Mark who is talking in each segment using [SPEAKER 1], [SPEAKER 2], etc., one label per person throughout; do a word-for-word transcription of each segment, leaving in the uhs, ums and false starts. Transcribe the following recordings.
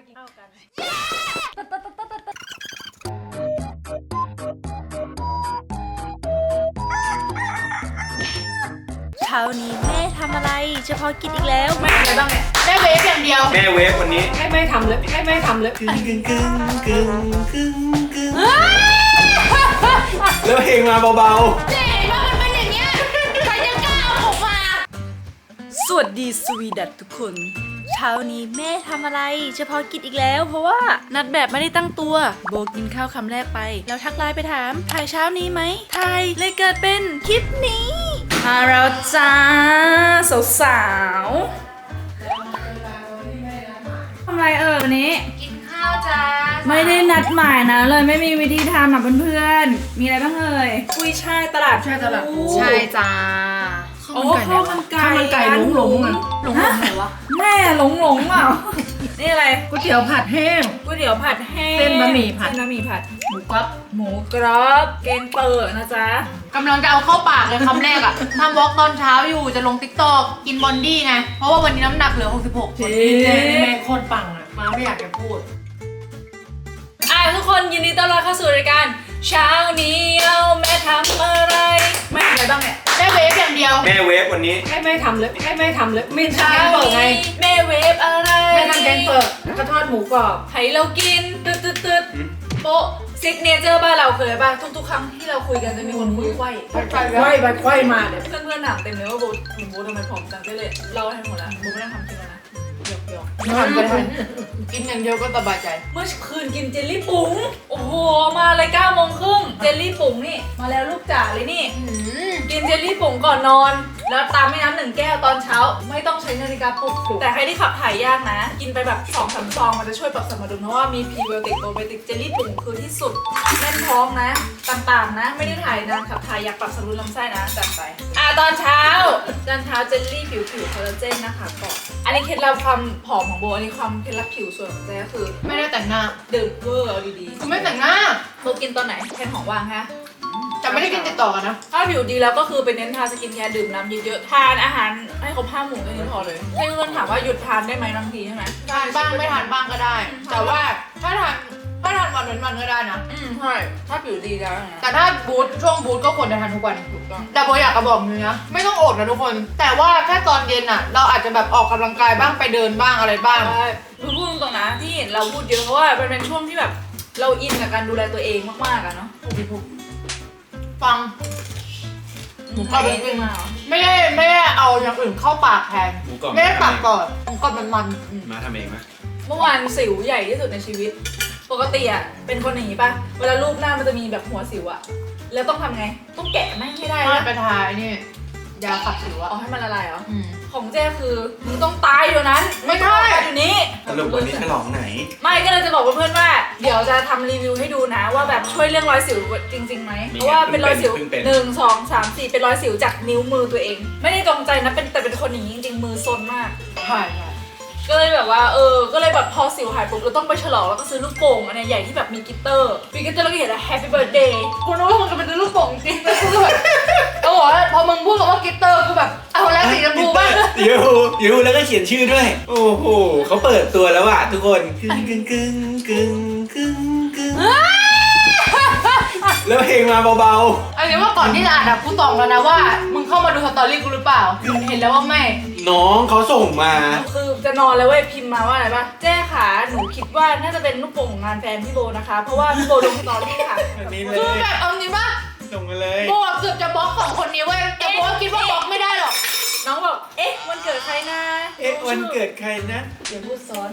[SPEAKER 1] กินข้าวกันเช้านี้แม่ทำอะไรเฉพาะกินอีกแล้วแม่อะไรบ้างเนี่ยแม่เวฟอย่างเดียว
[SPEAKER 2] แม่เวฟวันนี้
[SPEAKER 1] แม่ไม่ทำเลยแม่ไม่ทำเลย
[SPEAKER 2] กึ่งกึ่งกึ่งกึ่งกึ่งกึ่งแล้วเพลงมาเบา
[SPEAKER 1] ๆเจ๊ว่ามันเป็นอย่างเงี้ยใครจะกล้าเอาออกมาสวัสดีสวีดัตทุกคนเช้านี้แม่ทำอะไรเฉพาะกินอีกแล้วเพราะว่านัดแบบไม่ได้ตั้งตัวโบกินข้าวคำแรกไปแล้วทักไลน์ไปถามถ่ายเช้านี้ไหมถ่ายเลยเกิดเป็นคลิปนี้มาแล้วจ้าสาวๆทำไรเออวันนี้กินข้าวจ้าไม่ได้นัดหมายนะเลยไม่มีวิธีทำอ่ะเพื่อนๆมีอะไรบ้างเอ่ยกุ้ยช่ายตลาดช่ายตลาด
[SPEAKER 3] ใช่จ้า
[SPEAKER 1] โอ้ข้าวมันไก่ข้าวมันไก่หลงหลงอ่ะ
[SPEAKER 3] หลงหลงไหนวะ
[SPEAKER 1] แม่หลงหลงอ่ะนี่อะไร
[SPEAKER 3] ก๋วยเตี๋ยวผัดแห้ง
[SPEAKER 1] ก๋วยเตี๋ยวผัดแห้ง
[SPEAKER 3] เส้นบะหมี่ผัด
[SPEAKER 1] เส้นบะหมี่ผัด
[SPEAKER 3] หมูกรอบ
[SPEAKER 1] หมูกรอบแกงเปิดนะจ๊ะ
[SPEAKER 3] กำลังจะเอาเข้าปากเลยคำแรกอะทำวอล์กตอนเช้าอยู่จะลงติ๊กต็อกกินบอนดี้ไงเพราะว่าวันนี้น้ำหนักเหลือหกสิบหก
[SPEAKER 1] จริง
[SPEAKER 3] แม่โคตรปังอะมาไม่อยากจะพูด
[SPEAKER 1] อ่ะทุกคนยินดีต้อนรับเข้าสู่รายการเช้านี้เอาแม่ทำอะไรแม่อะไรบ้างเนี่ย
[SPEAKER 3] แม่เวฟอย่างเดียว
[SPEAKER 2] ๆแม่เวฟวันนี้
[SPEAKER 1] แม่ไม่ทำเลยแม่ไม่ทำเลยไม่เช้าเปิดไงแม่เวฟอะไร
[SPEAKER 3] แม่ทำแกงเปิดแล้วก็ทอดหมูกรอบ
[SPEAKER 1] ให้เรากินตึ๊ดตึ๊ดตึ๊ดโป๊ะซิกเนเจอร์บ้านเราเคยป่ะทุกๆครั้งที่เราคุยกันจะมีคนคุยไขว้
[SPEAKER 3] ไขว้ไปไขว้มาเนี่ย
[SPEAKER 1] เพื่อนๆถามเต็มเลยว่าโบคุณโบทำไมผอมจังก็เลยเล่าให้หมดแล้วโบไม่ได้ทำจริงแล้วนะหยอกหยอก
[SPEAKER 3] ไม่ทำก็ได้กินอย่างเดียวก็สบายใจ
[SPEAKER 1] เมื่อคืนกินเจลลี่ปุ๋งโอ้โหมาเลยเก้าโมงครึ่งเจลลี่ปุ๋งนี่มาแล้วลูกจ๋าเลยนี่กินเจลลี่ปุ๋งก่อนนอนแล้วตามแม่น้ำหนึ่งแก้วตอนเช้าไม่ต้องใช้นาฬิกาปลุกแต่ใครที่ขับถ่ายยากนะกินไปแบบสองสามซองมันจะช่วยปรับสมดุลเพราะว่ามีพรีไบโอติกโปรไบโอติกเจลลี่ปุ๋งคือที่สุดแน่นท้องนะต่างๆนะไม่ได้ถ่ายนานขับถ่ายอยากปรับสมดุลลำไส้นะจัดไปอ่ะตอนเช้าตอนเช้าเจลลี่ผิวผิวคอลลาเจนนะคะก่อนอันนี้เคล็ดลับความผอมของโบอันนี้ความเคล็ดลับผิวส่วนของเจ๊ก็คือ
[SPEAKER 3] ไม่ได้แต่งหน้า
[SPEAKER 1] ดื่มเวอร์เอาดีๆ
[SPEAKER 3] คือไม่แต่งหน้า
[SPEAKER 1] โบกินตอนไหนแทนของว่างฮะ
[SPEAKER 3] แต่ไม่ได้กินติดต่อกันนะ
[SPEAKER 1] ถ้าผิวดีแล้วก็คือไปเน้นทาสกินแคร์ดื่มน้ำเยอะๆทานอาหารให้ครบห้าหมู่แค่นี้พอเลยให้เพื่อนถามว่าหยุดทานได้ไหมบางทีใช่ไหม
[SPEAKER 3] ทานบ้างไม่ทานบ้างก็ได้แต่ว่าถ้าทานถ้าทานวันเว้นวันก็ได้นะ
[SPEAKER 1] อืมใช่ถ้าผิวดีแล้ว
[SPEAKER 3] แต่ถ้าบูทช่วงบูทก็ควรจะทานทุกวันถูกต้องแต่โบอยากจะบอกเลยนะไม่ต้องอดนะทุกคนแต่ว่าแค่ตอนเย็นอ่ะเราอาจจะแบบออกกำลังกายบ้างไปเดินบ้างอะไรบ้าง
[SPEAKER 1] ใช่คือพูดตรงนะที่เราพูดเยอะเพราะว่ามันเป็นช่วงที่แบบเราอินกับการดูแลตัวเองมากๆอะเนาะ
[SPEAKER 3] ถูกฟัง
[SPEAKER 1] หมูกรอบเป็นมา
[SPEAKER 3] ไม่ได้ไม่ได้เอาอย่างอื่นเข้าปากแทนไม่ได้ปากก่อนหมูกรอบมันมัน
[SPEAKER 2] มาทำเองไหม
[SPEAKER 1] เมื่อวานสิวใหญ่ที่สุดในชีวิตปกติอะเป็นคนอย่างนี้ป่ะเวลารูปหน้ามันจะมีแบบหัวสิวอะแล้วต้องทำไงต้องแกะไม่ให้ได้
[SPEAKER 3] ไม่ไปทายนี่ยาขับสิวอะ
[SPEAKER 1] เอาให้มันละลายเหรอของเจ้คือมึงต้องตายอยู่นั้น
[SPEAKER 3] ไม่ใช่
[SPEAKER 1] อยู่นี้
[SPEAKER 2] สรุปวันนี้ฉลองไหน
[SPEAKER 1] ไม่ก็เลยจะบอกเพื่อนๆว่าเดี๋ยวจะทำรีวิวให้ดูนะว่าแบบช่วยเรื่องรอยสิวจริงๆไหมเพราะว่าเป็นรอยสิวหนึ่งสองสามสี่เป็นรอยสิวจากนิ้วมือตัวเองไม่ได้ตรงใจนะเป็นแต่เป็นคนอย่างนี้จริงๆมือซนมาก
[SPEAKER 3] ใช่
[SPEAKER 1] ก็เลยแบบว่าเออก็เลยแบบพอสิวหายปุ๊บเราต้องไปฉลองแล้วก็ซื้อลูกโป่งอันนี้ใหญ่ที่แบบมีกลิตเตอร์มีกลิตเตอร์แล้วก็เขียนว่า Happy Birthday
[SPEAKER 3] กูนึกว่ามึงจะเป็นลูกโป่งจริงๆกูแบบโอ้โหพอมึงพูดคำว่ากลิตเตอร์กูแบบเอาแล้วสีชมพูป่ะ
[SPEAKER 2] ยูยูแล้วก็เขียนชื่อด้วยโอ้โหเขาเปิดตัวแล้วอ่ะทุกคนกึ่งกึ่งกึ่งกึ่งกึ่งกึ่งแล้วเพลงมาเบา
[SPEAKER 3] ๆอันนี้ว่าก่อนที่จะอ่านอะกูตอบแล้วนะว่ามึงเข้ามาดูสตอรี่กูหรือเปล่าเห็นแล้วว่าไม่
[SPEAKER 2] น้องเขาส่งมา
[SPEAKER 1] คือจะนอนแล้วเว้ยพิมพ์มาว่าอะไรป่ะแจ้ขาหนูคิดว่าน่าจะเป็นลูกโป่งงานแฟนพี่โบนะคะเพราะว่าพี่โบลงสตอรี่ค่ะ
[SPEAKER 3] คือแบบเอางี้ป่ะ
[SPEAKER 2] ส่งมาเลย
[SPEAKER 3] โบเกือบจะบล็อกสองคนนี้เว้ยแต่โบคิดว่าบล็อกไม่ได้หรอก
[SPEAKER 1] น้องบอกเอ๊ะวันเกิดใครนะ
[SPEAKER 2] เอ๊ะวันเกิดใครนะ
[SPEAKER 1] อย่าพูดซ้อน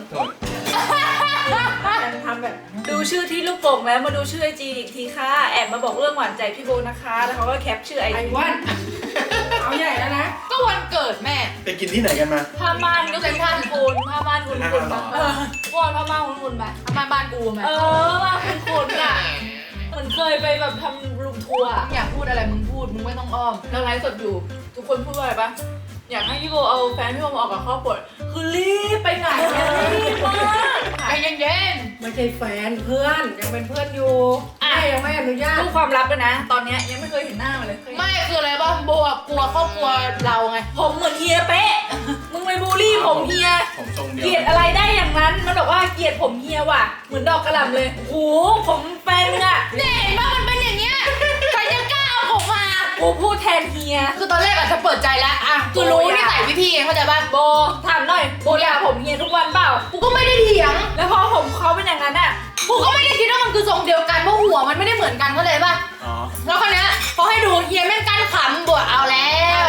[SPEAKER 1] ทำแบบดูชื่อที่ลูกโป่งแล้วมาดูชื่อไอจีอีกทีค่ะแอบมาบอกเรื่องหวานใจพี่โบนะคะแล้วเขาก็แคปชื่อไอจี
[SPEAKER 3] วันเอาใหญ่แล้วนะก็วันเกิดแม่
[SPEAKER 2] ไปกินที่ไหนกันมา
[SPEAKER 1] ผ้าม่านก็เป็นผ้าคูนผ้าม่านคุณคุณบ้างเออวอนผ้าม่านคุณคุณไหม
[SPEAKER 3] ผ้าม่านบ้านกูไหม
[SPEAKER 1] เออมาคุณคุณอ่ะเหมือนเคยไปแบบทำรูมทัวร์
[SPEAKER 3] อยากพูดอะไรมึงพูดมึงไม่ต้องอ้อม
[SPEAKER 1] เราไลฟ์สดอยู่ทุกคนพูดว่าอะไรปะอยากให้พี่โบเอาแฟนพี่โบมาออกกับครอบครัวคือรีบไปไหนรีบมาก
[SPEAKER 3] ใจเย็นๆไม่ใช่แฟนเพื่อนยังเป็นเพื่อนอยู่อ่ะยังไม่อนุญาต
[SPEAKER 1] พูดความลับเลยนะตอนนี้ยังไม่เคยเห็นหน้ามาเลย
[SPEAKER 3] ไม่คืออะไรบ้างโบกลัวครอบครัวเราไง
[SPEAKER 1] ผมเหมือนเฮียเป๊ะมึงไปบูลลี่ผมเฮีย
[SPEAKER 2] ผมทรงเดียว
[SPEAKER 1] เกลียดอะไรได้อย่างนั้นมันบอกว่าเกลียดผมเฮียว่ะเหมือนดอกกระหล่ำเลยโอ้โหผมแฟนมึงอะ
[SPEAKER 3] เนี่ยเห็นป่ะมันเป็นอย่างเงี้ยใครจะกล้าเอาผมมา
[SPEAKER 1] กูพูดแทนเฮีย
[SPEAKER 3] คือตอนแรกอาจจะเปิดใจแล้วอ่ะคือรู้นิสัยวิธีไงเข้าใจป่ะ
[SPEAKER 1] โบถามหน่อยโบด่าผมเฮียทุกวันเปล่า
[SPEAKER 3] กูก็ไม่ได้เถียง
[SPEAKER 1] แล้วพอผมเขาเป็นอย่างนั้นอะ
[SPEAKER 3] กูก็ไม่ได้คิดว่ามันคือทรงเดียวกันเพราะหัวมันไม่ได้เหมือนกันเข้าใจป่ะ
[SPEAKER 2] อ๋อ
[SPEAKER 3] แล้วคนเนี้ยพอให้ดูเฮียแม่งกั้นขำบวกเอาแล้ว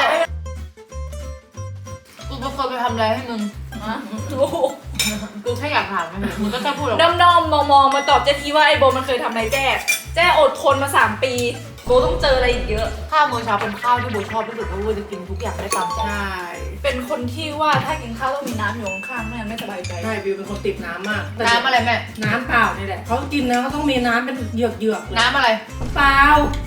[SPEAKER 3] กูไม่เคยไปทำอะไรให้มึง
[SPEAKER 1] อ่ะโอ้โห
[SPEAKER 3] กูแค่อยากถามมึงมึงก็แค่พูดออกมา
[SPEAKER 1] น้ำนมมองมองมาตอบเจ๊ทีว่าไอ้โบมันเคยทำอะไรแจ้แจ้อดทนมาสามปีโบต้องเจออะไรอีกเยอะ
[SPEAKER 3] ข้าวมื้อเช้าเป็นข้าวที่โบชอบที่สุดเพราะโบจะกินทุกอย่างได้ตามใจ
[SPEAKER 4] ใช่
[SPEAKER 1] เป็นคนที่ว่าถ้ากินข้าวต้องมีน้ำอยู่ข้างๆไม่งั้นไม่สบายใจ
[SPEAKER 4] ใช่บิวเป็นคนติดน้ำมากแต่
[SPEAKER 3] น้ำอะไรแม่
[SPEAKER 4] น้ำเปล่านี่แหละเขากินนะเขาต้องมีน้ำเป็นเหยือกเหยือกๆเลย
[SPEAKER 3] น้ำอะไร
[SPEAKER 4] เปล่า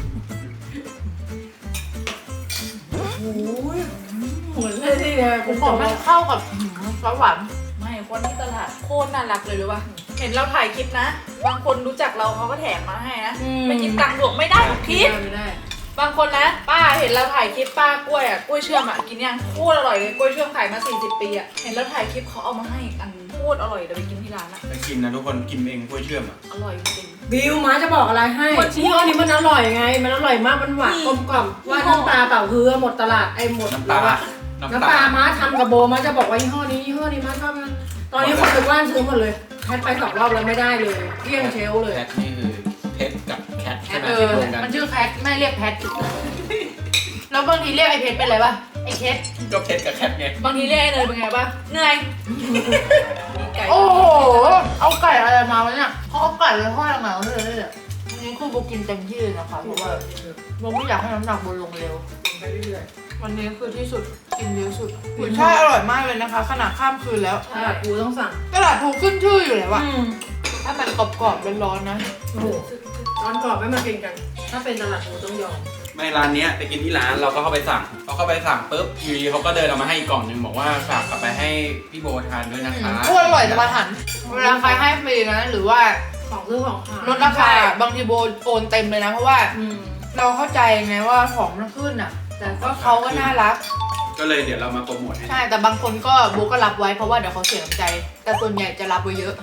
[SPEAKER 4] โอ้ยเหมือนเลยนี่ไง
[SPEAKER 3] ผ
[SPEAKER 4] คุ
[SPEAKER 3] ม
[SPEAKER 4] ณ
[SPEAKER 3] บอก
[SPEAKER 4] บ
[SPEAKER 3] มั
[SPEAKER 4] อน ก
[SPEAKER 3] เข้ากับซอสหวาน
[SPEAKER 1] ไม่คนที่ตลาดโคตรน่ารักเลยรู้ป่ะเห็นเราถ่ายคลิปนะ บางคนรู้จักเราเขาก็แถมมาให้นะไปกินตังค์บวกไม่ได้ทุกคลิป
[SPEAKER 4] ไม่ได้
[SPEAKER 1] บางคนนะป้าเห็นเราถ่ายคลิปป้ากล้วยอ่ะกล้วยเชื่อมอ่ะกินยังโคตรอร่อยเลยกล้วยเชื่อมขายมาสี่สิบปีอ่ะเห็นเราถ่ายคลิปเขาเอามาให้อีกอันโคตรอร่อยเดี๋ยวไปกินที่ร้านอ่ะ
[SPEAKER 2] ไปกินนะทุกคนกินเองกล้วยเชื่อมอ่ะ
[SPEAKER 1] อร่อยจริง
[SPEAKER 4] บิวมาจะบอกอะไรให้ยี่ห้อนี้มันอร่อยไง มันอร่อยมากมันหวาน
[SPEAKER 1] นี่
[SPEAKER 4] กลมกล่อมว่าน้ำปลาเปล่าคือหมดตลาดไอ้หมด
[SPEAKER 2] น้ำตา
[SPEAKER 4] แล้วอะ
[SPEAKER 2] น้ำ
[SPEAKER 4] น้ำป
[SPEAKER 2] ตา
[SPEAKER 4] ลาม้าทำกับโบมาจะบอกว่ายี่ห้อนี้ยี่ห้อนี้มาชอบนะตอนนี้คนไปว่านซื้อหมดเลยแคทไปสองรอบแล้วไม่ได้เลยเกลี้ยงเชลฟ์เลย
[SPEAKER 2] แคทนี่คือเพชรกับแคทใช่ไหม
[SPEAKER 3] เอ
[SPEAKER 2] ที่
[SPEAKER 3] อ
[SPEAKER 2] รวมกัน
[SPEAKER 3] มันชื่อแพทแม่เรียกแพทแล้วบางทีเรียกไอ้เพชรเป็นอะไรป่ะไอ้เพชร
[SPEAKER 2] ก็เพชรกับแคทไง
[SPEAKER 1] บางทีเรียกไอ้เนยเป็นไงป่ะเหนื่อยมีไก่
[SPEAKER 3] โอ้โหเอาไก่อะไรมาวะเนี่ยเขาเอาไก่ไปทอดยังไงวะเลยเนี่ยอันนี้คือโบกินเต็มที่เลยนะคะเพราะว่าโบไม่อยากให้น้ำหนักโบลงเร็ว
[SPEAKER 4] ไปเรื่อย
[SPEAKER 3] วันนี้คือที่สุดกินเยอะสุดกุยช่ายอร่อยมากเลยนะคะ ขนาดข้ามคืนแล้ว
[SPEAKER 4] ๆตลาดกูต้องสั่ง
[SPEAKER 3] ตลาดถูกขึ้นชื่ออยู่แล้วอะ
[SPEAKER 4] อืม
[SPEAKER 3] ถ้ามันกรอบๆร้อนๆนะ
[SPEAKER 4] โอ้โหตอนกรอบไม่มากินกัน ถ้าเป็นตลาดกูต้องยอม
[SPEAKER 2] ไม่ร้านเนี้ยไปกินที่ร้านเราก็เข้าไปสั่งพอเข้าไปสั่งปุ๊บอยู่ดีเขาก็เดินเอามาให้อีกกล่องหนึงบอกว่าฝากกลับไปให้พี่โบทานด้วยนะคะ
[SPEAKER 3] โคตรอร่อยจะมาทันเวลาใครให้ฟรีนะหรือว่า
[SPEAKER 4] ของซื้อของขาย
[SPEAKER 3] ลดราคาบางทีโบโอนเต็มเลยนะ เพราะว่า
[SPEAKER 4] อืม
[SPEAKER 3] เราเข้าใจไงว่าของมันขึ้นอะแต่ก็เขาก็น่ารัก
[SPEAKER 2] ก็เลยเดี๋ยวเรามาโปรโมทให้
[SPEAKER 3] ใช่แต่บางคนก็โบก็รับไว้เพราะว่าเดี๋ยวเขาเสียน้ำใจ แต่ส่วนใหญ่จะรับไว้เยอะ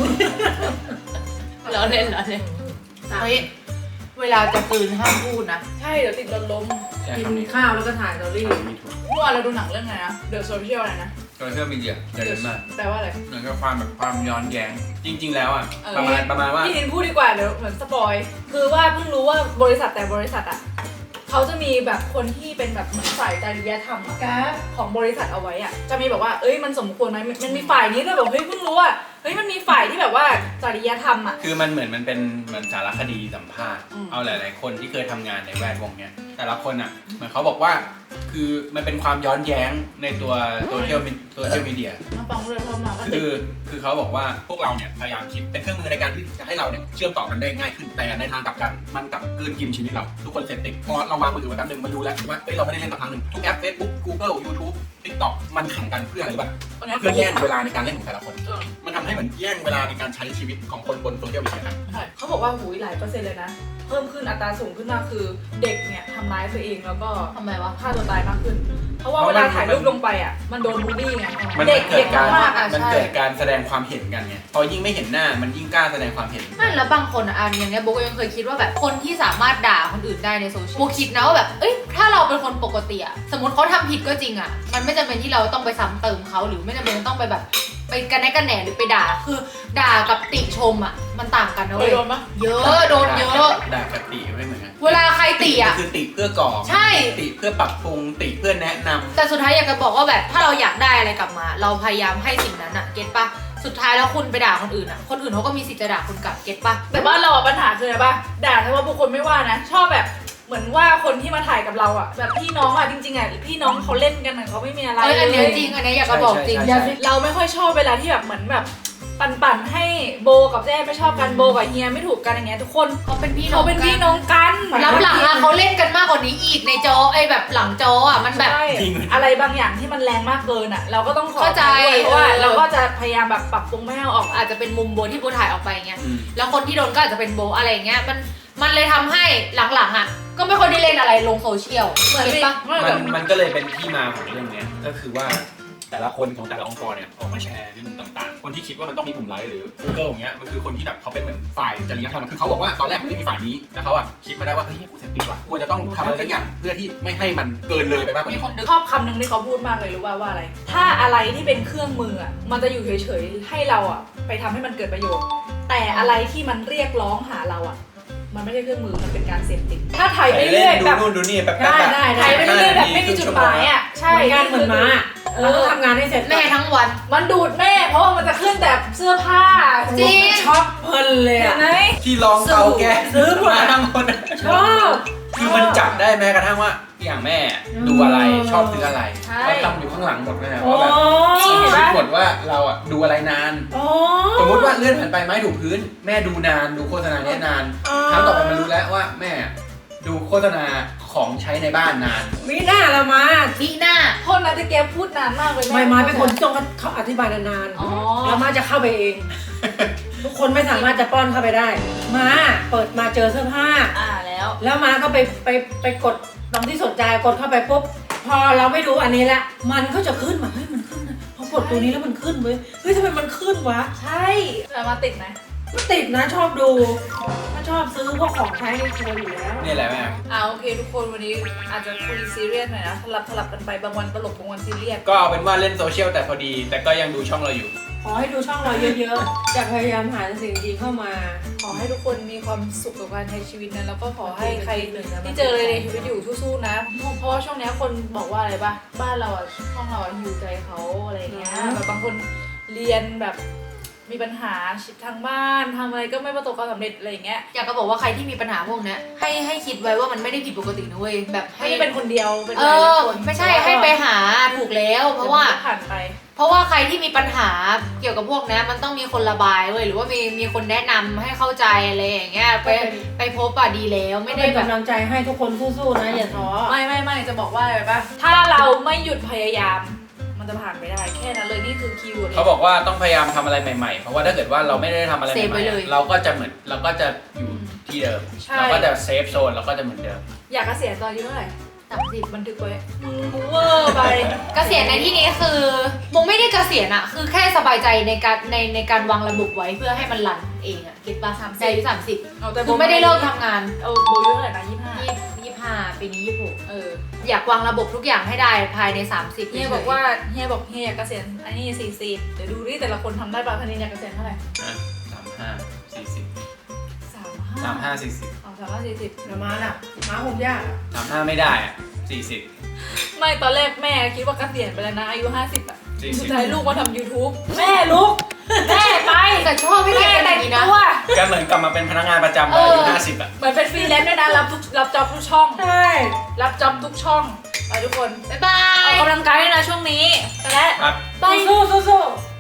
[SPEAKER 3] ล้อเล่นล้อเล่นเฮ้ยเวลาจะตื่นห้ามพูดนะ
[SPEAKER 1] ใช่เดี๋ยวติดรถล้ม
[SPEAKER 2] ใช่
[SPEAKER 4] กิน
[SPEAKER 2] คำนี้
[SPEAKER 4] ข้าวแล้วก็ถ่ายสตอรี่
[SPEAKER 2] มีถูก
[SPEAKER 1] เมื่อวานเราดูหนังเรื่องไหนนะเดอะโซเชียลอะไรนะ
[SPEAKER 2] โซเชียลมีเดียเยอะมาก
[SPEAKER 1] แปลว่าอะไร
[SPEAKER 2] เหมือนกับความแบบความย้อนแย้งจริง ๆ แล้วอ่ะ
[SPEAKER 1] เออ
[SPEAKER 2] ประมาณประมาณว่า
[SPEAKER 1] พี่นินพูดดีกว่าเดี๋ยวเหมือนสปอยคือว่าเพิ่งรู้ว่าบริษัทแต่บริษัทอ่ะเขาจะมีแบบคนที่เป็นแบบเหมือนฝ่ายจริยธรรมอะของบริษัทเอาไว้อ่ะจะมีแบบว่าเอ้ยมันสมควรไหมมันมีฝ่ายนี้เลยแบบเฮ้ยเพิ่งรู้ว่าเฮ้ยมันมีฝ่ายที่แบบว่าจริยธรรมอ่ะ
[SPEAKER 2] คือมันเหมือนมันเป็นเหมือนสารคดีสัมภาษณ์
[SPEAKER 1] อืม
[SPEAKER 2] เอาหลาย ๆ คนที่เคยทำงานในแวดวงเนี้ยแต่ละคนอ่ะเหมือนเขาบอกว่า คือมันเป็นความย้อนแย้งในตัวโซเชียลโซเชียลมีเดีย
[SPEAKER 1] มาฟังเรื่องเรามาก็ติ
[SPEAKER 2] คื
[SPEAKER 1] ด
[SPEAKER 2] อคือเขาบอกว่าพวกเราเนี่ยพยายามคิดเป็นเครื่องมือในการที่จะให้เราเนี่ยเชื่อมต่อกันได้ง่ายขึ้นแต่ในทางกลับกันมันกลับกลืนกินชีวิตเราทุกคนเสพติดพอเราวางมือถือไว้แป๊บนึงมาดูแล้วว่าเฮ้ยเราไม่ได้เล่นกับทางหนึ่งทุกแอป Facebook Google YouTube TikTok มันแข่งกันเพื่ออะไรรู้ป่ะเพื่อแย่งเวลาในการเล่นของแต่ละคน
[SPEAKER 1] เออ
[SPEAKER 2] มันทำให้เหมือนแย่งเวลาในการใช้ชีวิตของคนบนโซเชียลมีเดียกัน
[SPEAKER 1] ใช่เขาบอกว่าหูยหลายเปอร์เซ็นต์เลยนะ เพิ่มขึ้นอัตราสูงขึ้นมากคือเด็กเนี่ยทำร้ายตัวเองแล้วก็
[SPEAKER 3] ทำไมวะ
[SPEAKER 1] ฆ่าตัวตายมากขึ้น เพราะว่า
[SPEAKER 2] เพ
[SPEAKER 1] เว
[SPEAKER 2] ราะ
[SPEAKER 1] ลา
[SPEAKER 2] มัน
[SPEAKER 1] ถ่ายรูปลงไปอ่ะมันโดนบูลลี่ไง
[SPEAKER 2] มัน
[SPEAKER 1] เด็ก
[SPEAKER 2] เกิ
[SPEAKER 1] เด็
[SPEAKER 2] ด
[SPEAKER 1] ก
[SPEAKER 2] การ
[SPEAKER 1] มากๆอ่ะ
[SPEAKER 2] มัน
[SPEAKER 1] ใช่
[SPEAKER 2] เกิดการแสดงความเห็นกันไงพอยิ่งไม่เห็นหน้ามันยิ่งกล้าแสดงความเห็น
[SPEAKER 3] ไม่แล้วบางคนอ่ะอันอย่างเนี้ยโบก็ยังเคยคิดว่าแบบคนที่สามารถด่าคนอื่นได้ในโซเชียลโบคิดนะว่าแบบเอ้ยถ้าเราเป็นคนปกติอ่ะสมมติเขาทำผิดก็จริงอ่ะมันไม่จำเป็นที่เราต้องไปซ้ำเติมเขาหรือไม่จำเป็นต้องไปแบบไปกันแน่กันแหน่หรือไปด่าคือด่ากับติชมอ่ะมันต่างกันนะ
[SPEAKER 1] เค
[SPEAKER 3] เว้
[SPEAKER 1] ย
[SPEAKER 3] ย
[SPEAKER 1] โดนปะ
[SPEAKER 3] เยอะโดนเยอะ
[SPEAKER 2] ด่ากติไม่เหมือนกัน
[SPEAKER 3] เวลาใครติอ่ะ
[SPEAKER 2] คือติเพื่อก่อ
[SPEAKER 3] ใช่
[SPEAKER 2] ติเพื่อปรับปรุงติเพื่อแนะนำ
[SPEAKER 3] แต่สุดท้ายอยากจะบอกว่าแบบถ้าเราอยากได้อะไรกลับมา เราพยายามให้สิ่งนั้นอะเก็ตปะสุดท้ายแล้วคุณไปด่าคนอื่นอะคนอื่นเขาก็มีสิทธิ์จะด่าคุณกลับเก็ตปะ
[SPEAKER 1] แต่บ้านเราอะปัญหาคืออะไรปะด่าแต่ว่าบุคคลไม่ว่านะ ชอบแบบเหมือนว่าคนที่มาถ่ายกับเราอ่ะแบบพี่น้องอ่ะจริงๆอ่ะพี่น้องเขาเล่นกันอ่ะเขาไม่มีอะไร
[SPEAKER 3] เอ้ยอันเนี้ย
[SPEAKER 1] เลย
[SPEAKER 3] จริงอันเนี้ยอยากจะบอกจริง
[SPEAKER 2] ใช่ใช่ใช่
[SPEAKER 1] เราไม่ค่อยชอบเวลาที่แบบเหมือนแบบปั่นๆให้โบกับแจ้ไม่ชอบกันโบกับเฮียไม่ถูกกันอย่างเงี้ยทุกคน
[SPEAKER 3] เขาเป็นพี่น้อ
[SPEAKER 1] เขา
[SPEAKER 3] ง
[SPEAKER 1] เป็น
[SPEAKER 3] กั
[SPEAKER 1] พี่น้องกัน
[SPEAKER 3] รับหลังอะเขาเล่นกันมากกว่านี้อีกในจอไอ้แบบหลังจออะมันแบบ
[SPEAKER 1] ใช่อะไรบางอย่างที่มันแรงมากเกินอ่ะ เราก็ต้องขอ
[SPEAKER 3] เข้าใจ
[SPEAKER 1] ด้วยเพราะว่า
[SPEAKER 3] เออ
[SPEAKER 1] เราก็จะพยายามแบบปรับปรุงไม่ให้เอาออก
[SPEAKER 3] อาจจะเป็นมุมโบที่โบถ่ายออกไปเงี้ย
[SPEAKER 2] อืม
[SPEAKER 3] แล้วคนที่โดนก็อาจจะเป็นโบอะไรอย่างเงี้ยมันมันเลยทำให้หลังๆอะก็ไม่ค่อยได้เล่นอะไรลงโซเชียล
[SPEAKER 1] เหมือน
[SPEAKER 3] เก็ตปะ
[SPEAKER 1] ไม่
[SPEAKER 2] มั
[SPEAKER 1] แบ
[SPEAKER 2] น
[SPEAKER 1] บ
[SPEAKER 2] มันก็เลยเป็นที่มาของเรื่องเนี้ยก็คือว่าแต่ละคนของแต่ละองค์กรเนี่ยออกมาแชร์เรื่องต่างๆ คนที่คิดว่ามันต้องมีปุ่มไลค์หรือ Google อย่างเงี้ยมันคือคนที่แบบเขาเป็นเหมือนฝ่ายจริยธรรมคือเขาบอกว่าตอนแรกมันไม่มีฝ่ายนี้แต่เขาอะคิดมาได้ว่าเฮ้ยกูเสพติดว่ะควรจะต้องทำอะไรสักอย่างเพื่อที่ไม่ให้มันเกินเลยไปมากกว่า
[SPEAKER 1] มี
[SPEAKER 2] นี้
[SPEAKER 1] คนชอบคำหนึ่งที่เขาพูดมากเลยรู้ว่าว่าอะไร ถ้าอะไรที่เป็นเครื่องมืออ่ะมันจะอยู่เฉยๆให้เราอ่ะไปทำให้มันเกิดประโยชน์ แต่อะไรที่มันเรียกร้องหาเราอ่ะมันไม่ใช่เครื่องมือมันเป็นการเสพติดถ้าถ่ายไปเรื่อย
[SPEAKER 2] ดู
[SPEAKER 1] แบบ
[SPEAKER 2] นู่นดูนี่แบบ
[SPEAKER 4] ได้ได้
[SPEAKER 1] ถ่ายไปเรื่อยแบบไม่มีจุดหมายอ่ะใช่
[SPEAKER 4] เหมือนกันเหมือนม้าเราต้องทำงานให้เสร็จ
[SPEAKER 3] แม่ทั้งวัน
[SPEAKER 1] มันดูดแม่เพราะว่ามันจะขึ้นแต่เสื้อผ้า
[SPEAKER 3] จริง
[SPEAKER 4] ช็อปเพลินเลย
[SPEAKER 1] เห็
[SPEAKER 4] อ่ะ
[SPEAKER 1] นไหม
[SPEAKER 2] ที่ลองเอาแก
[SPEAKER 4] ซื้อหมด
[SPEAKER 2] มาทั้งคน
[SPEAKER 4] ชอบ
[SPEAKER 2] คือมันจับได้แม้กระทั่งว่าอย่างแม่ดูอะไรชอบซื้ออะไร
[SPEAKER 1] ใช่
[SPEAKER 2] เราทำอยู่ข้างหลังหมดเลยนะ
[SPEAKER 4] โอ้
[SPEAKER 2] ว่าแบบ
[SPEAKER 1] นี่เห็น
[SPEAKER 2] คิ
[SPEAKER 1] ปะ
[SPEAKER 2] ดหมดว่าเราอะดูอะไรนาน
[SPEAKER 4] โอ้
[SPEAKER 2] สมมติว่าเลื่อนผ่านไปไม้ถูกพื้น แม่ดูนานดูโฆษณาเนี้ยนานครั้งต่อไปมันรู้แล้วว่าแม่ดูโฆษณาของใช้ในบ้านนาน
[SPEAKER 4] มีหน้าละมา
[SPEAKER 3] นี่หน้า
[SPEAKER 1] โทษนะแต่แกพูดนานมากเลยแ
[SPEAKER 4] ไม่มาเป็นคนที่ต้องเขาอธิบายนาน
[SPEAKER 1] อ๋อ
[SPEAKER 4] ๆแล้วมาจะเข้าไปเอง ทุกคนไม่สามารถจะป้อนเข้าไปได้ มาเปิดมาเจอเสื้อผ้า
[SPEAKER 1] อ่าแล้ว
[SPEAKER 4] แล้วมาก็ไปไปไปกดตรงที่สนใจกดเข้าไปปุ๊บพอเราไม่ดูอันนี้ละมันก็จะขึ้นมาเฮ้ยมันขึ้นนะพอกดตัวนี้แล้วมันขึ้นเว้ยเฮ้ยทำไมมันขึ้นวะ
[SPEAKER 1] ใช่แต่มาติดไหม
[SPEAKER 4] ก็ติดนะชอบดูถ้าชอบซื้อพวกของใช้ในครัวอยู่แล้ว
[SPEAKER 2] นี่แหละแม่
[SPEAKER 1] อ่าโอเคทุกคนวันนี้อาจจะคุยซีเรียสหน่อยนะสลับสลับกันไปบางวันตลกบางวันซีเรียส
[SPEAKER 2] ก็เอาเป็นว่าเล่นโซเชียลแต่พอดี แต่ก็ยังดูช่องเราอยู่
[SPEAKER 4] ขอให้ดูช่องเราเยอะๆจะพยายามหาสิ่งดีเข้ามา
[SPEAKER 1] ขอให้ทุกคนมีความสุขกับการใช้ชีวิตนะแล้วก็ขอให้ใครที่เจออะไรในชีวิตอยู่สู้ๆนะเพราะว่าช่วงนี้คนบอกว่าอะไรปะบ้านเราอ่ะช่องเราอ่ะหิวใจเขาอะไรเงี้ยแบบบางคนเรียนแบบมีปัญหาทางบ้านทำอะไรก็ไม่ประสบความสำเร็จอะไรอย่างเงี้ย
[SPEAKER 3] อยากจะบอกว่าใครที่มีปัญหาพวกเนี้ยให้ให้คิดไว้ว่ามันไม่ได้ผิดปกตินะเว้ยแบบให้
[SPEAKER 1] ไม่ได้เป็นคนเดียวเป็นห
[SPEAKER 3] เอ
[SPEAKER 1] ลาย
[SPEAKER 3] อ
[SPEAKER 1] ๆคน
[SPEAKER 3] ไม่ใช่ให้ไปหาถูกแล้ว เพราะว่า
[SPEAKER 1] ผ่านไป
[SPEAKER 3] เพราะว่าใครที่มีปัญหาเกี่ยวกับพวกเนี้ยมันต้องมีคนระบายเว้ยหรือว่ามีมีคนแนะนำให้เข้าใจอะไรอย่างเงี้ยไปไปพบอะดีแล้วไม่
[SPEAKER 4] ไม่
[SPEAKER 3] ได้
[SPEAKER 4] ได้
[SPEAKER 3] แบบ
[SPEAKER 4] กำลังใจให้ทุกคนสู้ๆนะอย่าท้อ
[SPEAKER 1] ไม่ไม่ไม่จะบอกว่าอะไรปะถ้าเราไม่หยุดพยายามมันจะผ่านไปได้แค่นั้นเลยนี่คือคีย์เวิร์ด
[SPEAKER 2] เขาบอกว่าต้องพยายามทำอะไรใหม่ๆ เพราะว่าถ้าเกิดว่าเราไม่ได้ทำอะไรให
[SPEAKER 3] เซฟไว้
[SPEAKER 2] ม่
[SPEAKER 3] เลย
[SPEAKER 2] ๆเราก็จะเหมือนเราก็จะอยู่ที่เดิม
[SPEAKER 1] ใช่
[SPEAKER 2] เราก็จะเซฟโซนเราก็จะเหมือนเดิม
[SPEAKER 1] อยากเกษียณตอนอายุเท่าไหร่
[SPEAKER 3] สามสิบ
[SPEAKER 1] บันทึกไว้มึงเวอร์ไป
[SPEAKER 3] เกษียณในที่นี้คือมงไม่ได้เกษียณอะคือแค่สบายใจในการในในการวางระบบไว้เพื่อให้มันรันเองอะคิดป่ะสามสิบอายุสามสิบ
[SPEAKER 1] เอาแต่
[SPEAKER 3] คือไม่ได้เลิกทำงาน
[SPEAKER 1] เอาโบอายุเท่าไหร่นะยี่ห้า
[SPEAKER 3] ยี่ยี่ห้าปีนี้ยี่หก
[SPEAKER 1] เออ
[SPEAKER 3] อยากวางระบบทุกอย่างให้ได้ภายในสามสิบ
[SPEAKER 1] เฮียบอกว่าเฮียบอกเฮียอยากเกษียณอันนี้สี่สิบเดี๋ยวดูดิแต่ละคนทำได้ป่ะคณินอยากเกษียณเท่าไหร่
[SPEAKER 2] นะสามห้าสี่สิบ
[SPEAKER 1] สามห้า
[SPEAKER 2] สามห้าสี่สิบ
[SPEAKER 1] อ๋อสามห้าสี่สิบ
[SPEAKER 4] เดี๋ยวมาน่ะมาคงยากอะ
[SPEAKER 2] สามห้าไม่ได้อ่ะสี่สิบ
[SPEAKER 1] ไม่ตอนแรกแม่คิดว่าเกษียณไปแล้วนะอายุห้าสิบอ่ะ
[SPEAKER 2] สี่สิบ
[SPEAKER 1] สุดท้ายลูกมาทำ YouTube แม่ลุกแม่ไป
[SPEAKER 3] แต่ชอบให้แก
[SPEAKER 1] แม่
[SPEAKER 3] เป็นอ
[SPEAKER 1] แต่
[SPEAKER 3] ย่าง งนี้นะ
[SPEAKER 1] ตัว
[SPEAKER 2] ก็เหมือนกลับมาเป็นพนักงานประจำตอนอายุห้าสิบอ่ะ
[SPEAKER 1] เหมือนเป็นฟรีแลนซ์ด้วยนะรับทุกรับจ็อบทุกช่อง
[SPEAKER 4] ใช่
[SPEAKER 1] รับจ็อบทุกช่องไปทุกคน
[SPEAKER 3] บ๊ายบา
[SPEAKER 1] ออย กกำลังกายด้วยนะช่วงนี้ไปแล้ว
[SPEAKER 2] ครับ
[SPEAKER 1] ไป
[SPEAKER 4] สู้สู้สู้